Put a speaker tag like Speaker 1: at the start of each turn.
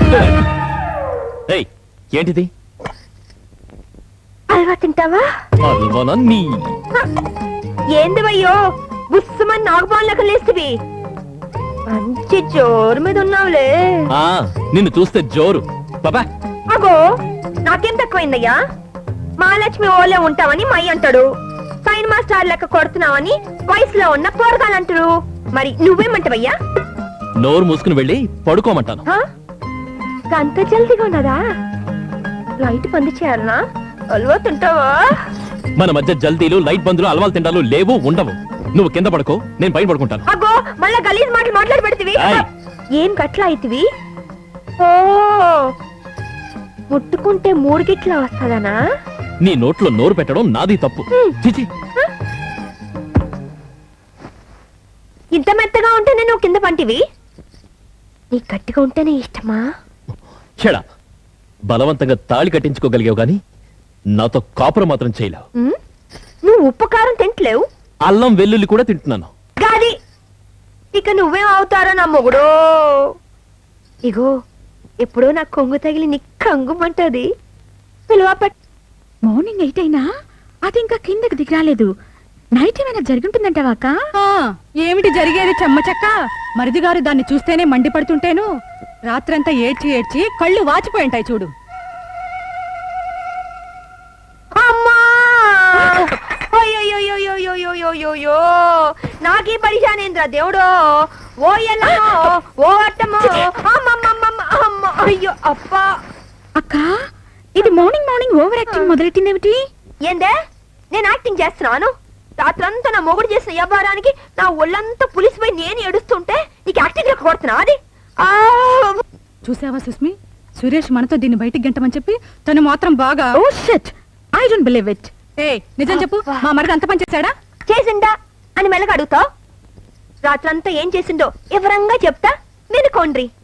Speaker 1: ఏంటిది?
Speaker 2: హల్వా తింటావా? ఏంది వయ్యో బుస్సుమని నాగపాన్ లెక్క లేస్తువి. మంచి జోరు మీద ఉన్నావులే.
Speaker 1: నిన్ను చూస్తే జోరు. బాబా
Speaker 2: అగో నాకేం తక్కువైందయ్యా? మహాలక్ష్మి ఓలే ఉంటావని మై అంటాడు, సైన్ మాస్టర్ లెక్క కొడుతున్నావని వయసులో ఉన్న పోరగాలంటారు. మరి నువ్వేమంటావయ్యా?
Speaker 1: నోరు మూసుకుని వెళ్ళి పడుకోమంటాను.
Speaker 2: అంత జల్దీగా ఉన్నదా? లైట్ బంద్ చేయాలనా? హల్వా తింటావా?
Speaker 1: మన మధ్య జల్దీలు, లైట్ బందులు, అలవాలు తింటాలు లేవు, ఉండవు. నువ్వు కింద పడుకో, నేను పైన పడుకుంటాను.
Speaker 2: అగో మళ్ళా గలీజ్ మాటలు మాట్లాడి పెడతీవి. ఏం గట్లా అయితివి? ఓ ముట్టుకుంటే 3 గిట్లా వస్తదనా?
Speaker 1: నీ నోట్లో నోరు పెట్టడం నాది తప్పు. చిచి,
Speaker 2: ఇంత మెత్తగా ఉంటేనే నువ్వు కింద పంటివి. నీ గట్టిగా ఉంటేనే ఇష్టమా?
Speaker 1: చెడా, బలవంతంగా తాళి కట్టించుకోగలిగావు గాని నాతో కాపురం మాత్రం చేయలేవు.
Speaker 2: నువ్వు ఉప్పు కారం తింటలేవు,
Speaker 1: అల్లం వెల్లుల్లి కూడా తింటున్నాను.
Speaker 2: గాది ఇక నువ్వేం అవుతారో నా మొగుడో. ఇగో ఎప్పుడో నా కొంగు తగిలి నీ కంగుమంటది.
Speaker 3: మార్నింగ్ 8 అయినా అది ఇంకా కిందకి దిగరాలేదు. నైట్ ఏమైనా జరుగుంటుందంటావాక?
Speaker 4: ఏమిటి జరిగేది చెమ్మచక్క? మరిది గారు దాన్ని చూస్తేనే మండిపడుతుంటేను రాత్రంతా ఏడ్చి ఏడ్చి కళ్ళు వాచిపోయి ఉంటాయి చూడు.
Speaker 2: నాకీ పరిశానేంద్ర దేవుడో. ఓ ఎల్లమ్మో, ఓ అట్టమ్మో, అయ్యో అప్పా.
Speaker 3: అక్క, ఇది మార్నింగ్ ఓవర్ యాక్టింగ్ మొదలెట్టిందేమిటి?
Speaker 2: ఏందే నేను యాక్టింగ్ చేస్తున్నాను? రాత్రంతా నా మొగుడు చేసిన వ్యాపారానికి నా ఒళ్ళంతా పులిసిపోయి నేను ఏడుస్తుంటే నీకు యాక్టింగ్ లెక్క కొడుతున్నా? అది
Speaker 4: చూసావా సుస్మి, సురేష్ మనతో దీన్ని బయటికి గంటమని చెప్పి తను మాత్రం బాగా.
Speaker 3: Oh shit, I don't believe it.
Speaker 4: నిజం చెప్పు, మా మరిది అంత పని చేశాడా?
Speaker 2: చేసిండా అని మెల్లగా అడుగుతావు? రాత్రంతా ఏం చేసిండో వివరంగా చెప్తా వినుకోండ్రి.